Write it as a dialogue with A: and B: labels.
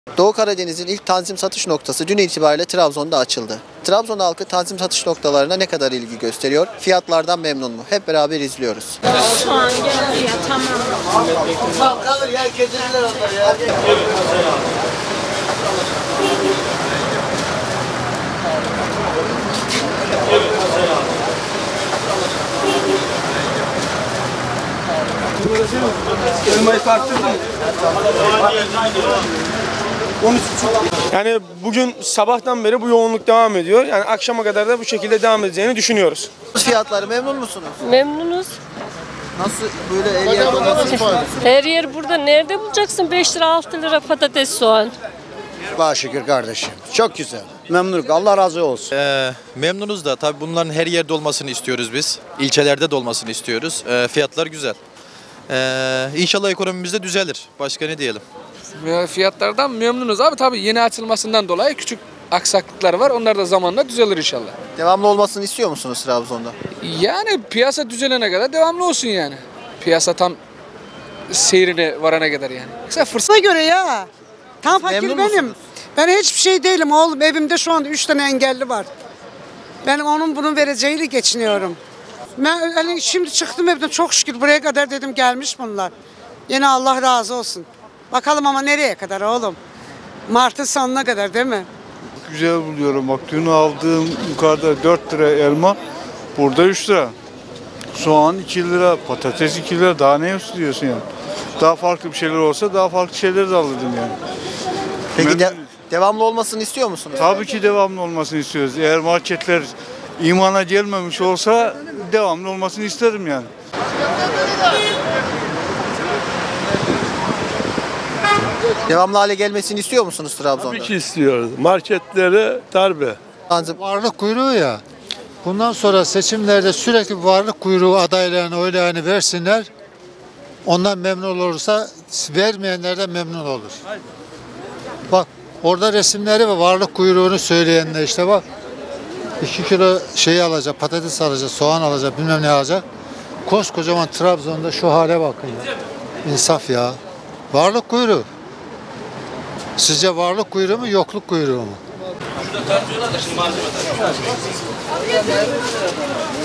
A: Doğu Karadeniz'in ilk tanzim satış noktası dün itibariyle Trabzon'da açıldı. Trabzon halkı tanzim satış noktalarına ne kadar ilgi gösteriyor? Fiyatlardan memnun mu? Hep beraber izliyoruz.
B: Şu an geldi ya, tamam.
C: Kalır ya, kesilirler onlar ya.
D: Elmayı tarttırdın mı? Yani bugün sabahtan beri bu yoğunluk devam ediyor. Yani akşama kadar da bu şekilde devam edeceğini düşünüyoruz.
A: Fiyatları memnun musunuz?
E: Memnunuz.
A: Nasıl böyle el yerde nasıl?
E: Her yer burada. Nerede bulacaksın 5 lira 6 lira patates soğan?
F: Allah'a şükür kardeşim. Çok güzel. Memnunum. Allah razı olsun.
G: Memnunuz da tabii bunların her yerde olmasını istiyoruz biz. İlçelerde de olmasını istiyoruz. Fiyatlar güzel. İnşallah ekonomimiz de düzelir. Başka ne diyelim?
H: Fiyatlardan memnunuz abi, tabii yeni açılmasından dolayı küçük aksaklıklar var. Onlar da zamanla düzelir inşallah.
A: Devamlı olmasını istiyor musunuz Trabzon'da?
H: Yani piyasa düzelene kadar devamlı olsun yani. Piyasa tam seyrine varana kadar yani.
I: Mesela fırsata göre ya. Tam fakir
A: Memnun
I: benim.
A: musunuz?
I: Ben hiçbir şey değilim oğlum. Evimde şu anda 3 tane engelli var. Ben onun bunun vereceğiyle geçiniyorum. Ben hani şimdi çıktım evden, çok şükür buraya kadar dedim, gelmiş bunlar. Yine Allah razı olsun. Bakalım ama nereye kadar oğlum? Mart'ın sonuna kadar değil mi?
J: Güzel buluyorum. Bak dün aldığım yukarıda 4 lira elma, burada 3 lira. Soğan 2 lira, patates 2 lira. Daha ne istiyorsun yani? Daha farklı bir şeyler olsa daha farklı şeyler de alırdım yani.
A: Peki devamlı olmasını istiyor musunuz?
J: Tabii ki devamlı olmasını istiyoruz. Eğer marketler imana gelmemiş olsa devamlı olmasını isterim yani.
A: Devamlı hale gelmesini istiyor musunuz Trabzon'da?
K: Tabii ki istiyoruz. Marketlere darbe.
A: Tanzim.
L: Varlık kuyruğu ya. Bundan sonra seçimlerde sürekli varlık kuyruğu adaylarına oylarını versinler. Ondan memnun olursa vermeyenler de memnun olur. Bak orada resimleri ve varlık kuyruğunu söyleyenler işte bak. 2 kilo şey alacak, patates alacak, soğan alacak, bilmem ne alacak. Koskocaman Trabzon'da şu hale bakın ya. İnsaf ya. Varlık kuyruğu. Sizce varlık kuyruğu mu, yokluk kuyruğu mu?